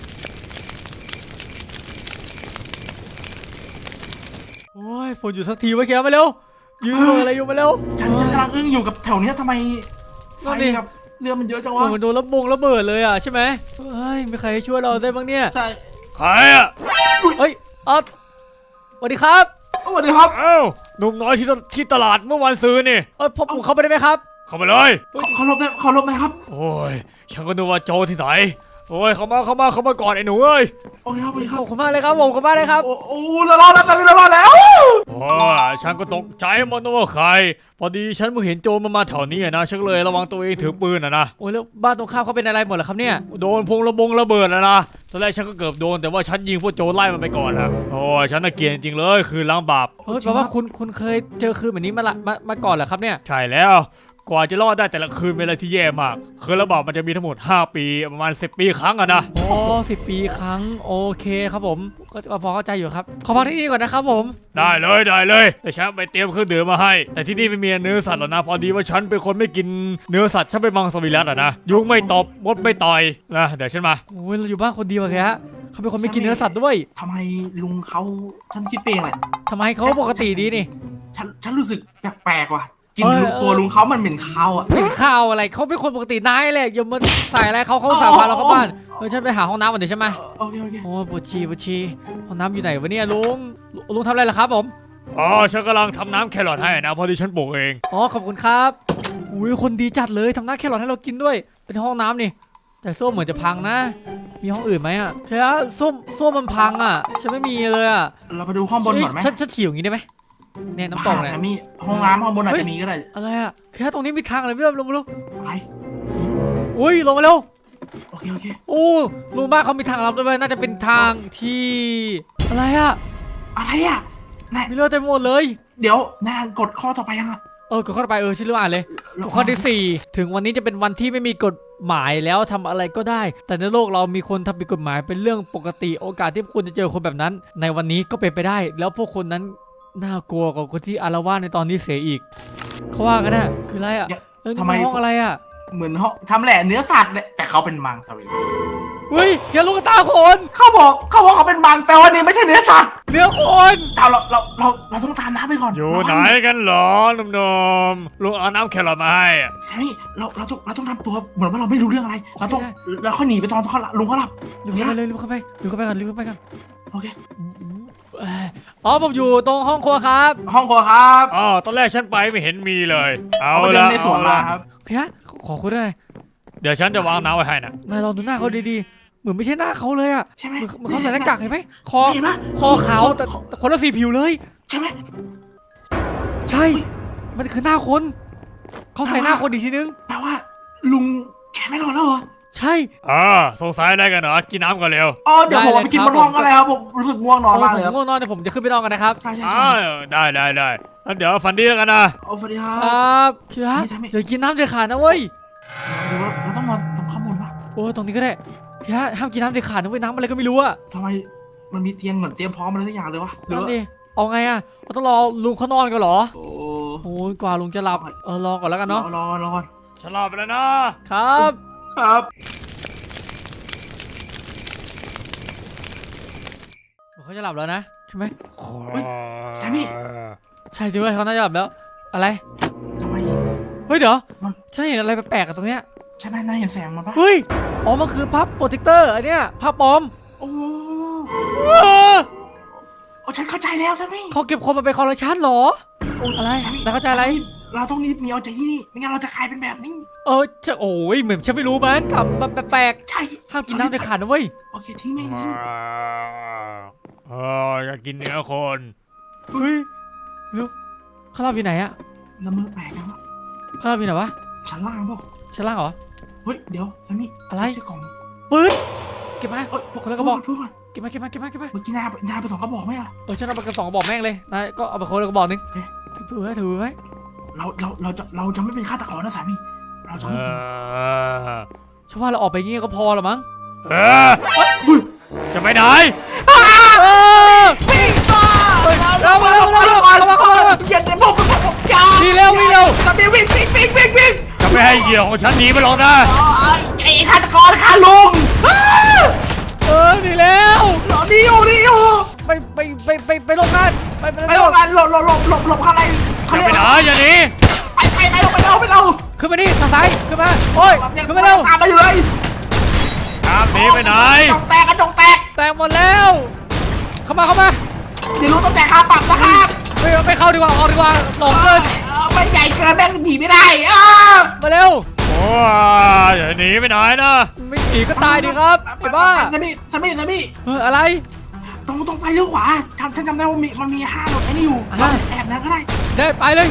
Speaker 3: โอ้ยฝนหยุดสักทีไว้แกมาเร็วยืนรออะไรอยู่มาเร็ว
Speaker 4: ฉันฉันกำลังอึ้งอยู่กับแถวเนี้ยทำไมไฟ
Speaker 3: นั่นดิ
Speaker 4: กับเรือมันเยอะจัง
Speaker 3: โอ้
Speaker 4: วะ
Speaker 3: ยมันโดนระบงระเบิดเลยอ่ะใช่ไหมเฮ้ยมีใครช่วยเราได้บ้างเนี่ย
Speaker 4: ใช่
Speaker 1: ใครอ่ะ
Speaker 3: เฮ้ยเออสวัสดีครับ
Speaker 4: สวัสดีครับ
Speaker 1: เอ้าหนุ่มน้อยที่ตที่ตลาดเมื่อวันซื้อนี่
Speaker 3: เออพอผมเข้าไปได้ไหมครับ
Speaker 1: เข้ามาเลย
Speaker 4: ขอรบได้ขอรบได้ครับ
Speaker 1: โอ้ยฉันก็นึกว่าโจรที่ไหนโอ้ยเข้ามาเข้ามาเข้ามาก่อนไอ้หนูเอ้ย
Speaker 4: โอเคครับโอเคค
Speaker 3: ข
Speaker 4: รับ
Speaker 3: อบคุณมากเลยครับผมขอบคุณมากเลยครับ
Speaker 4: โอ้โอ้เรารอดแล้วแต่ไม่เรารอดแล้ว
Speaker 1: โอ้ยฉันก็ตกใจมันว่าใคร พอดีฉันเพิ่งเห็นโจรมันมาแถวนี้อะนะฉันก็เลยระวังตัวเองถือปืนอะนะ
Speaker 3: โอ้ยแล้วบ้านตรงข้ามเขาเป็นอะไรหมดเหรอครับเนี่ย
Speaker 1: โดนพงระบงระเบิดแล้วนะตอนแรกฉันก็เกือบโดนแต่ว่าฉันยิงพวกโจรไล่มันไปก่อนนะโอ้ยฉันน่ะเกลียดจริงๆเลยคือล้างบาป
Speaker 3: เฮ้ยแปลว่าคุณคุณเคยเจอคืนแบบนี้มาละมามาก่อนเหรอครับเนี่ย
Speaker 1: ใช่แล้วกว่าจะรอดได้แต่ละคืนเป็นอะไรที่แย่มากคือระบอบมันจะมีทั้งหมดห้าปีประมาณสิบปีครั้งอะนะ
Speaker 3: โอ้สิบปีครั้งโอเคครับผมก็ก็พอเข้าใจอยู่ครับขอพักที่นี่ก่อนนะครับผม
Speaker 1: ได้เลยได้เลยแต่ฉันไปเตรียมเครื่องดื่มมาให้แต่ที่นี่ไม่มีเนื้อสัตว์หรอกนะพอดีว่าฉันเป็นคนไม่กินเนื้อสัตว์ฉันเป็นมังสวิรัติอะนะยุงไม่ตบมดไม่ต่อยนะเดี๋ยวฉันมา
Speaker 3: โอ้ยเราอยู่บ้านคนเดียวอะแกเขาเป็นคนไม่กินเนื้อสัตว์ด้วย
Speaker 4: ทำไมลุงเขาฉันคิดเองแหละ
Speaker 3: ทำไมเขาปกติดีนี่
Speaker 4: ฉันฉันรู้สึกแปลกๆว่ะกิน
Speaker 3: เออ
Speaker 4: ตัวลุงเขามันเหม็นคาวอ่ะ
Speaker 3: เป็นข้าวอะไรเขาเป็นคนปกตินายแหละอย่ามาใส่อะไรเขาเขาสาพาเราเข้าบ้านเออฉันไปหาห้องน้ำก่อนเดี๋ยวใช่ไหม
Speaker 4: โอเคโอเค
Speaker 3: โอ้ยปวดฉี่ปวดฉี่ห้องน้ำอยู่ไหนวะเนี่ยลุงลุงทำอะไรล่ะครับผม
Speaker 1: อ๋อฉันกำลังทำน้ำแครอทให้นะพอดีฉันปลูกเอง
Speaker 3: อ๋อขอบคุณครับอุ้ยคนดีจัดเลยทำน้ำแครอทให้เรากินด้วยเป็นห้องน้ำนี่แต่ส้วมเหมือนจะพังนะ มีห้องอื่นไหมอ่ะแค่ส้วมส้วมมันพังอ่ะฉันไม่มีเลยอ่ะ
Speaker 4: เราไปดูห้องบนก่อนไหม
Speaker 3: ฉันฉันฉี่อย่างนี้ได้ไหมเนี่ยน้ำตกเนี่ย
Speaker 4: บ้ามีห้องน้ำห้องบนอาจจะมีก็ได้
Speaker 3: อะไรอ่ะแค่ตรงนี้มีทางอะไรไม่รู้ลงมาลูก
Speaker 4: อะไร
Speaker 3: อุ้ยลงมาเร็ว
Speaker 4: โอเคโอเค
Speaker 3: โอ้ลุงบ้านเขามีทางลับด้วยน่าจะเป็นทางที่อะไรอ่ะ
Speaker 4: อะไรอ่ะนาย
Speaker 3: มีเลือดเต็มหมดเลย
Speaker 4: เดี๋ยวนายกดข้อต่อไปยังอ่ะ
Speaker 3: เออกดเข้าไปเออชื่อเรื่องอ่านเลยข้อที่สี่ถึงวันนี้จะเป็นวันที่ไม่มีกฎหมายแล้วทำอะไรก็ได้ แต่ในโลกเรามีคนทำผิดกฎหมายเป็นเรื่องปกติโอกาสที่คุณจะเจอคนแบบนั้น ในวันนี้ก็เป็นไปได้ แล้วพวกคนนั้นน่ากลัวกว่าคนที่อารวาสในตอนนี้เสียอีกเขาว่ากันนะคืออะไรอ่ะเออนี่มันห้องอะไรอ่ะ
Speaker 4: เหมือนห้องทำแหละเนื้อสัตว์เนี่ยแต่เขาเป็นมังสวิรัติ
Speaker 3: เฮ้ยเห็นลูกตาคน
Speaker 4: เขาบอกเขาบอกเขาเป็นมังแต่ว่านี่ไม่ใช่เนื้อสัตว์
Speaker 3: เนื้อคน
Speaker 4: เราเราเราเราเราต้องตามน้ำไปก่อน
Speaker 1: อยู่ไหนกันเหรอหนุ่มๆลุงเอาน้ำแครอทมาให้อะ
Speaker 4: แซมมี่เราเราต้องเราต้องทำตัวเหมือนว่าเราไม่รู้เรื่องอะไร เราต้องเราค่อยหนีไปตอนเขาลุงเขาหลับ
Speaker 3: ลืมเข้าไปเลยลืมเข้าไปลืมเข้าไปก่อนลืมเข้าไปก่อน
Speaker 4: โอเค
Speaker 3: เอ่ออ๋อผมอยู่ตรงห้องครัวครับ
Speaker 4: ห้องครัวครับ
Speaker 1: อ๋อตอนแรกฉันไปไม่เห็นมีเลย เอา
Speaker 4: เอาไปเดิ
Speaker 1: ละ
Speaker 4: นในสวน
Speaker 1: เอา
Speaker 4: มา
Speaker 1: ละ
Speaker 4: ครับ
Speaker 3: เฮียขอคุณด้วย
Speaker 1: เดี๋ยวฉันจะวางน้ำไว้ให้นะ
Speaker 3: นายลองดูหน้าเขาดีๆเหมือนไม่ใช่หน้าเขาเลยอ่ะ
Speaker 4: ใช่ไหม
Speaker 3: เหมือนเหมือนเขาใส่หน้ากากเห็นไหมคอ
Speaker 4: เห็นปะ
Speaker 3: คอขาวแต่แต่คนละสีผิวเลย
Speaker 4: ใช่ไหม
Speaker 3: ใช่ มันคือหน้าคนเขาใส่หน้าคนอีกทีนึง
Speaker 4: แปลว่า ลุงแกไม่รอดแล้วเหรอ
Speaker 3: ใช่
Speaker 1: อ่าสงสัยอะไรกันเหรอกินน้ำก่อนเร็ว
Speaker 4: อ๋อเดี๋ยวผมไปกินบนห้องก็ได้ครับผมรู้สึกง่วงนอนมากเลย
Speaker 3: ผ
Speaker 4: ครับ
Speaker 3: มง่วงนอนเดี๋ยวผมจะขึ้นไปนอนกันนะครับ
Speaker 4: ใช่ใช่
Speaker 1: อ้า
Speaker 4: ใช่
Speaker 1: วได้ได้ได้งั้นเดี๋ยวฝันดีแล้วกันนะ
Speaker 4: โอ้สวัสดีครั
Speaker 3: คร
Speaker 4: บั
Speaker 3: บคิระ
Speaker 4: ใช่ไหม
Speaker 3: อย่ากินน้ำเด็ดขาดนะเว้ย
Speaker 4: ดูว่าเราต้องนอนตรงข้างบนปะ
Speaker 3: โอ้ตรงนี้ก็ได้คิระห้ามกินน้ำเด็ดขาดนะเว้ยน้ำอะไรก็ไม่รู้อะ
Speaker 4: ทำไมมันมีเตียงเหมือนเตรียมพร้อมอะไรสักอย่างเลยวะหรือ
Speaker 3: นั่น
Speaker 4: ว่า
Speaker 3: ดิเอาไงอะเราต้องรอลุงเขานอนกันเหรอ
Speaker 4: โอ้
Speaker 3: โอ้ยกว่าลุงจะหลับเออรอก่อนแล้วกัน
Speaker 4: รอ
Speaker 3: เนาะ
Speaker 4: รอรอ
Speaker 1: ฉันรอไปแล้วนะครับ
Speaker 4: ครับ
Speaker 3: เขาจะหลับแล้วนะใช่ไหม
Speaker 4: แซมมี่
Speaker 3: ใช่จริงด้วยเขาน่าจะหลับแล้ว อะไร
Speaker 4: ทำไม
Speaker 3: เฮ้ยเดี๋ยว
Speaker 4: มัน
Speaker 3: ฉันเห็นอะไรแปลกๆกับตรงเนี้ย
Speaker 4: ใช่ไหมนายเห็นแสงมันปะ
Speaker 3: เฮ้ยอ๋อมันคือพับโปรเทคเตอร์อันเนี้ยผ้าปลอม
Speaker 4: โอ้
Speaker 3: เออ
Speaker 4: โอ้ฉันเข้าใจแล้วแซมมี่
Speaker 3: เขาเก็บคนมาเป็นคอลเลคชันเหรอ อะไรนายเข้าใจอะไร
Speaker 4: เราต้องรีบหนีออกจากที่นี่ไม่งั้นเราจะกลายเป็นแบบนี้
Speaker 3: เออจะโอ้ยเหมือนฉันไม่รู้มันทำแบบแปลก
Speaker 4: ใช่
Speaker 3: ๆห้ามกินน้ำเด็ดขาดนะเว้ย
Speaker 4: โอเคทิ้งไม่ทิ้ง
Speaker 1: เอออยากกินเนื้อคน
Speaker 3: เฮ้ยลูกเขาหลับอยู่ไหนอะ
Speaker 4: ละเมือแปลกนะวะ
Speaker 3: เขาหลับอยู่ไหนวะ
Speaker 4: ชั้นล่างเปล่า
Speaker 3: ชั้นล่างเหรอ
Speaker 4: เฮ้ยเดี๋ยวแซมมี่
Speaker 3: อะไร
Speaker 4: ใช่กล่อง
Speaker 3: ปืนเก็บมา
Speaker 4: เอ้ย
Speaker 3: คนละกระบอก
Speaker 4: พูดก่อน
Speaker 3: เก็บมาเก็บมาเก็บมาเก็บมา
Speaker 4: เมื่อกี้นายนายไปสองกระบอกไหมอะ
Speaker 3: เออฉันเอาไปกระสองกระบอกแม่งเลยนายก็เอาไปคนละกระบอกหนึง
Speaker 4: เอ๊ะ
Speaker 3: ถือไว้ถือไว้
Speaker 4: เราเราเราจะเราจะไม่เป็นฆาตกรนะสามีเราจะ
Speaker 1: เอ
Speaker 4: ไม่กิน
Speaker 1: อ
Speaker 3: ฉันว่าเราออกไปงี้ก็พอละมั้ง
Speaker 1: เออจะไปไหน
Speaker 3: เออวิ่งมาเร็วเร็วเร็วเร็วเข้ามาเข้ามา
Speaker 4: อย่าเดี๋ยวผมผมผมอย่า
Speaker 3: วิ่งเร็ววิ่งเร็ว
Speaker 4: สามีวิ่งวิ่งวิ่งวิ่งวิ่ง
Speaker 1: จะไม่ให้เหยื่อของฉันหนีไปหรอกนะ
Speaker 4: ไอ้ฆาตกรค่ะลุง
Speaker 3: เออหนีแล้ว
Speaker 4: หลบนี่อยู่นี่อยู่
Speaker 3: ไปไปไปไปไปลงงานไปไป
Speaker 4: ไปหลบกันหลบหลบหลบหลบหลบข้างใน
Speaker 1: จะไปไหนอย่าหนี
Speaker 4: ไปไปไปเร็วไปเร็วไปเร็ว
Speaker 3: ขึ้นมานี่ทางซ้ายขึ้นมาโอ้ยขึ้นมาเร็ว
Speaker 4: ตามมาอยู่เลย
Speaker 1: ตามหนีไปไหน
Speaker 4: จงแตกกระจงแตก
Speaker 3: แตกหมดแล้วเข้ามาเข้ามา
Speaker 4: เดี๋ยวรู้ต้องจ่ายค่าปรับนะครับ
Speaker 3: ไม่ไม่เข้าดีกว่าออกดีกว่าหลงเกิน
Speaker 4: มันใหญ่เกินแม่งหนีไม่ได้อ้า
Speaker 3: มาเร็ว
Speaker 1: โอ้ยอย่าหนีไปไหนนะ
Speaker 3: ไม่หนีก็ตายดีครับไอ้บ้า
Speaker 4: สามีสามีสามี
Speaker 3: เอออะไร
Speaker 4: ตรงตรงไปเลี้ยวขวาทำฉันจำได้ว่ามีมันมีห้างรถไอ้นี่อยู่
Speaker 3: อ่า
Speaker 4: แอบนั้นก็ได้
Speaker 3: ได้ไปเลย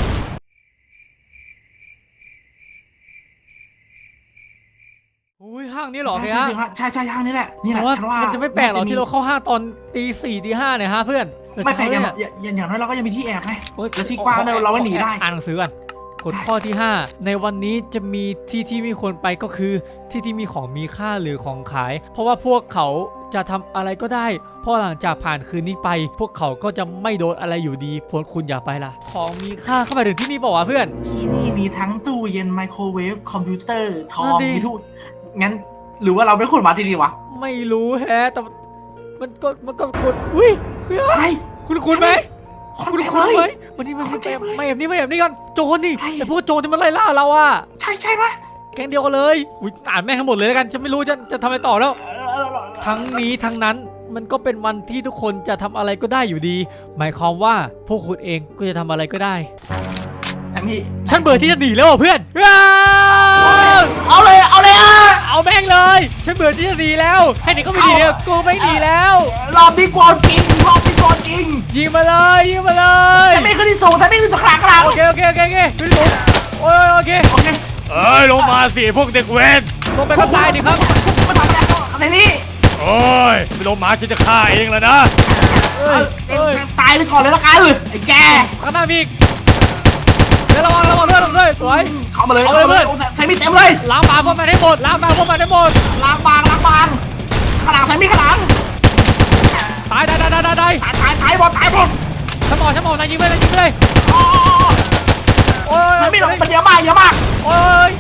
Speaker 3: อุ้ยห้างนี้เหรอเฮีย
Speaker 4: ใช่ใช่ห้างนี้แหละนี่แห
Speaker 3: แต่
Speaker 4: ละ
Speaker 3: ว่า
Speaker 4: ฉันว่า
Speaker 3: มันจะไม่แปลกหรอกที่เราเข้าห้างตอนตีสี่ตีห้าเนี่ยฮะเพื่อน
Speaker 4: ไม่แปลกอย่าง
Speaker 3: เนี่ย
Speaker 4: อย่างอย่างน้อยเราก็ยังมีที่แอบไง
Speaker 3: โอ๊ย
Speaker 4: แล้วที่กว้างเนี่ยเราไว้หนีได้
Speaker 3: อ่านหนังสือก่อนกฎข้อที่ห้าในวันนี้จะมีที่ที่ไม่ควรไปก็คือที่ที่มีของมีค่าหรือของขาย เพราะว่าพวกเขาจะทำอะไรก็ได้เพราะหลังจากผ่านคืนนี้ไป พวกเขาก็จะไม่โดนอะไรอยู่ดีพวกคุณอย่าไปล่ะของมีค่าเข้ามาถึงที่นี่บอกว่าเพื่อน
Speaker 4: ที่นี่มีทั้งตู้เย็นไมโครเวฟคอมพิวเตอร์ทอ
Speaker 3: นั่
Speaker 4: ง
Speaker 3: นดิ
Speaker 4: มีทุกงั้นหรือว่าเราไม่ควรมาที่นี่วะ
Speaker 3: ไม่รู้แฮะแต่มันก็มันก็คนอุ้ยเฮ้ย
Speaker 4: ไอ้
Speaker 3: คุณคุณไหม
Speaker 4: คน
Speaker 3: คุณ
Speaker 4: เต็ม
Speaker 3: คุณ
Speaker 4: เล
Speaker 3: ไหม
Speaker 4: ย
Speaker 3: วันนี้มัน
Speaker 4: คนเต็ม
Speaker 3: ไม่แบบนี้ไม่แบบนี้กันโจรนี่
Speaker 4: ใช่
Speaker 3: ไอพวกโจรที่มันไล่ล่าเราอะ
Speaker 4: ใช่ใช่ปะ
Speaker 3: แก๊งเดียวกันเลยอุ้ยอ่านแม่งทั้งหมดเลยแล้วกันฉันไม่รู้จะจะทำอะไรต่อแล้ว ทั้งนี้ทั้งนั้นมันก็เป็นวันที่ทุกคนจะทำอะไรก็ได้อยู่ดี หมายความว่าพวกคุณเองก็จะทำอะไรก็ได้
Speaker 4: แซมมี่
Speaker 3: ฉันเบื่อที่จะหนีแล้วอ่ะเพื่อนอ้าว
Speaker 4: เอาเลยเอาเลยอ่ะ
Speaker 3: เอาแม่งเลยฉันเบื่อที่จะหนีแล้วให้หนีก็ไม่หนีแล้วกูไม่หนีแล้ว
Speaker 4: รอบนี้กวนจริงรอบนี้กวนจริง
Speaker 3: ยิงมาเลยยิงมาเลย
Speaker 4: แซมมี่ขึ้นที่สูงแซมมี่ขึ้นที่ขลางขลาง
Speaker 3: โอเคโอเคโอเคโอเคขึ้นสูงโอ้ยโอเค
Speaker 4: โอเค
Speaker 1: เอ้ยลงมาสิพวกเด็กเวร
Speaker 3: ลงไปข้างซ้ายดิครับ
Speaker 4: มาทำอะไรอะไรนี่
Speaker 1: โอ้ยไม่ลงมาฉันจะฆ่าเองแล้วนะ
Speaker 3: เอ้ยเอ้ย
Speaker 4: ตายไปก่อนเลยละกันไอ้แก
Speaker 3: ข้างหน้ามีอีกเดี๋ยวระวังระวังด้วยระวังด้วยสวย
Speaker 4: เข้ามาเลย
Speaker 3: เอาเลยเพื่อน
Speaker 4: แซมมี่เต็มเลย
Speaker 3: ล้างบางพวกมันให้หมดล้างบางพวกมันให้หมด
Speaker 4: ล้างบางล้างบางขางหลังแซมมี่ขางหลัง
Speaker 3: ตายตายตายตายตายตาย
Speaker 4: ตายตายตายหมดตายหมด
Speaker 3: ฉันบอกฉันบอกนายยิงไปนายยิงไปเลย
Speaker 4: อ๋อ
Speaker 3: โอ้ย
Speaker 4: แซมมี่มันเยอะมากเยอะมาก
Speaker 3: โอ้ย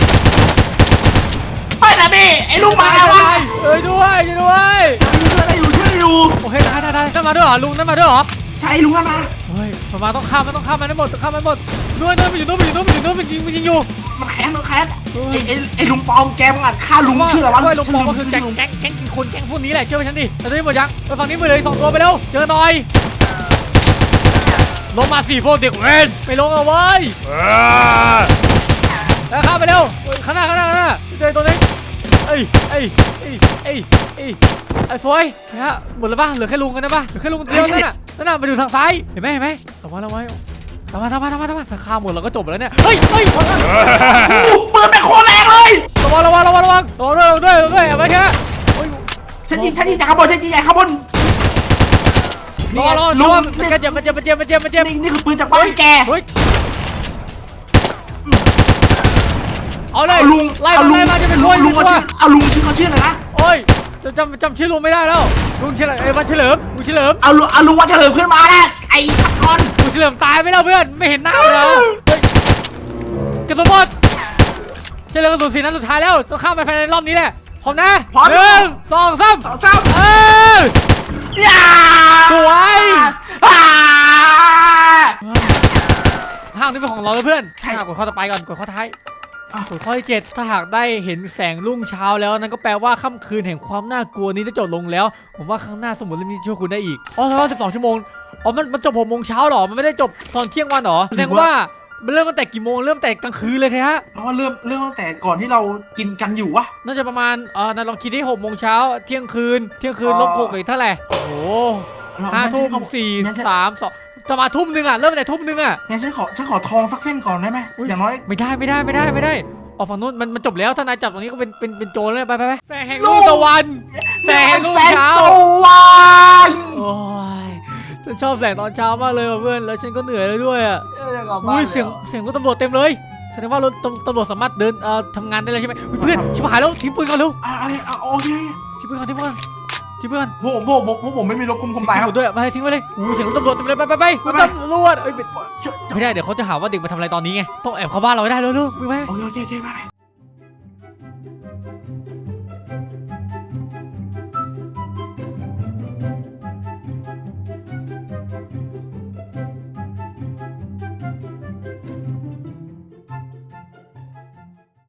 Speaker 4: เฮ้ยแซมมี่ไอ้ลูกมาแล้ววะ
Speaker 3: เอ้ยด้วยช่วยด้วย
Speaker 4: ช่วยได้อยู่ช่วยได้อยู่
Speaker 3: โอเคได้ได้ได้นั่นมาด้วยเหรอลุงนั่นมาด้วยเหรอ
Speaker 4: ใช่ลุงนั่นมา
Speaker 3: เฮ้ยมันมาต้องข้ามมันต้องข้ามมันให้หมดต้องข้ามมันให้หมดด้วยด้วยมันอยู่ด้วยมันอยู่ด้วยมันอยู่ด้วยมันยิงมันยิงอยู่
Speaker 4: มันแค้นมันแค้นไอ้ไอ้ไอ้ลุงปลอมแกมึงอ่ะฆ่าลุงชื่ออะไรวะ
Speaker 3: ว่าลุงบอกว่าคือแก๊งแก๊งแก๊งกินคนแก๊งพวกนี้แหละเชื่อฉันดิแต่ตอนนี้หมดยังไปฝั่งนี้ไปเลยสองตัวไปเร็วเจอหน่อยลงมาสี่พวกเด็กเว้นไม่ลงเอาไว้
Speaker 1: เออ
Speaker 3: แล้วข้ามไปเร็วข้างหน้าข้างหน้าข้างหน้าเจอตัวนี้เอ้ยเอ้ยเอ้ยเอ้ยเอ้ยไอ้สวยนะฮะหมดแล้วป่ะเหลือแค่ลุงกันนะป่ะเหลือแค่ลุงเดียวนั่นน่ะนั่นน่ะมาดูทางซ้ายเห็นไหมเห็นไหมระวังระวังทำมาทำมาทำมาทำมาถ้าข้ามหมดเราก็จบแล้วเนี่ยเฮ้ยเฮ้ย
Speaker 4: ปืนเป็นโคตรแรงเลย
Speaker 3: ระวังระวังระวังระวังระวังด้วยระวังด้วยระวังด้วยเอาไว้แค่โอ้ย
Speaker 4: ฉันยิงฉันยิงจากข้างบนฉันยิงจากข้างบน
Speaker 3: ระวังระวัง
Speaker 4: ลุ
Speaker 3: ระ
Speaker 4: ง
Speaker 3: วังมันเจ็บมันเจ็บมันเจ็บมันเจ็บมันเจ็บ
Speaker 4: นี่นี่คือปืนจากบ้านแก
Speaker 3: เฮ้ยเอาเลย
Speaker 4: เอาลุง
Speaker 3: ไล่
Speaker 4: เอา
Speaker 3: มา
Speaker 4: ลุง
Speaker 3: ไล่มาจะเป็น
Speaker 4: ลุ
Speaker 3: ร้
Speaker 4: ง
Speaker 3: อย
Speaker 4: ลุง
Speaker 3: ดี
Speaker 4: เขา
Speaker 3: ก
Speaker 4: ชื่
Speaker 3: ว่า
Speaker 4: อเอาลุงชื่อเขาชื่ออะไรนะ
Speaker 3: โอ้ยจำจำจำชื่อลุงไม่ได้แล้วลุงเฉลิมไอ้วันเฉลิมลุงเฉลิม
Speaker 4: เอาลุงเอาลุงว่าเฉลิมขึ้นมาแน่ไอ้ขับกอน
Speaker 3: ลุงเฉลิมตายไปแล้วเพื่อนไม่เห็นหน้าเลยเหรอเฮ้ยกระสุนหมดเฉลิมกระสุนสีนั้นสุดท้ายแล้วต้องข้ามไปภายในรอบนี้แหละพร้อมนะหนึ่งสองสาม
Speaker 4: สองสาม
Speaker 3: เออ
Speaker 4: ย่า
Speaker 3: สวย
Speaker 4: อ่า
Speaker 3: ห้างนี้เป็นของเราเลยเพื่อนห้างกดข้อต่อไปก่อนกดข้อท้ายกดข้อที่เจ็ดถ้าหากได้เห็นแสงรุ่งเช้าแล้วนั่นก็แปลว่าค่ำคืนแห่งความน่ากลัวนี้ได้จบลงแล้ว ผมว่าข้างหน้าสมุดเล่มนี้ช่วยคุณได้อีกอ๋อแสดงว่าสิบสองชั่วโมงอ๋อมันมันจบหกโมงเช้าหรอมันไม่ได้จบตอนเที่ยงวันหรอแสดงว่ามันเริ่มตั้งแต่กี่โมงเริ่มแต่กลางคืนเลยครับฮะ
Speaker 4: เพราะว่าเริ่มเริ่มตั้งแต่ก่อนที่เรากินกันอยู่วะ
Speaker 3: น่าจะประมาณเออนายลองคิดที่หกโมงเช้าเที่ยงคืนเที่ยงคืนลบหกอีกเท่าไหร่โอ้โห
Speaker 4: เรา
Speaker 3: ห้าทุ่ม
Speaker 4: งั้นฉันขอ
Speaker 3: สี่
Speaker 4: งั้นฉัน
Speaker 3: สามสองจะมาทุ่มหนึ่งอ่ะเริ่มแต่ทุ่มหนึ่งอ่ะ
Speaker 4: งั้นฉันขอฉันขอทองสักเส้นก่อนได้ไหมอย่างน้อย
Speaker 3: ไม่ได้ไม่ได้ไม่ได้ไม่ได้ออกฝั่งนู้นมันมันจบแล้วถ้านายจับตรงนี้ก็เป็นเป็นเป็นโจรเลยไปไปไปแสงแห่งรุ่งตะวันแสงแห่งรุ่งเช้า
Speaker 4: แสงสว่าง
Speaker 3: โอ้ยฉันชอบแสงตอนเช้ามากเลยว่ะเพื่อนแล้วฉันก็เหนื่อยเลยด้วยอ่ะ
Speaker 4: เอออยากกลับบ้าน
Speaker 3: อุ้ยเสียงเสียงรถตำรวจเต็มเลยแสดงว่ารถตำตำรวจสามารถเดินเอ่อทำงานได้เลยใช่ไหมอุ๊ยเพื่อนชิบหายแล้วทิ้งปืนก่อนเร็ว
Speaker 4: อ่ะอะไรอ่ะโอเค
Speaker 3: ทิ้งปืนก่อนทิ้งปืนก่อนทิ้งปืนก่อน
Speaker 4: พวกผมพวกผมพวกผมไม่มีรถคุมคุม
Speaker 3: ทิ้ง
Speaker 4: ตายค
Speaker 3: ห
Speaker 4: รั
Speaker 3: ม
Speaker 4: บ
Speaker 3: ดด้วยไปทิ้งไว้เลยอู้เสียงรถตำรวจเต็มเลยไปไปไปคุณ
Speaker 4: ไปไป
Speaker 3: ตำรวจเอ้ย
Speaker 4: ช่วย
Speaker 3: ไม่ได้เดี๋ยวเขาจะหาว่าเด็กมาทำอะไรตอนนี้ไงต้องแอบเข้าบ้านเราให้ได้เร็วๆมึงไป
Speaker 4: โอเคโอเคโอเคไป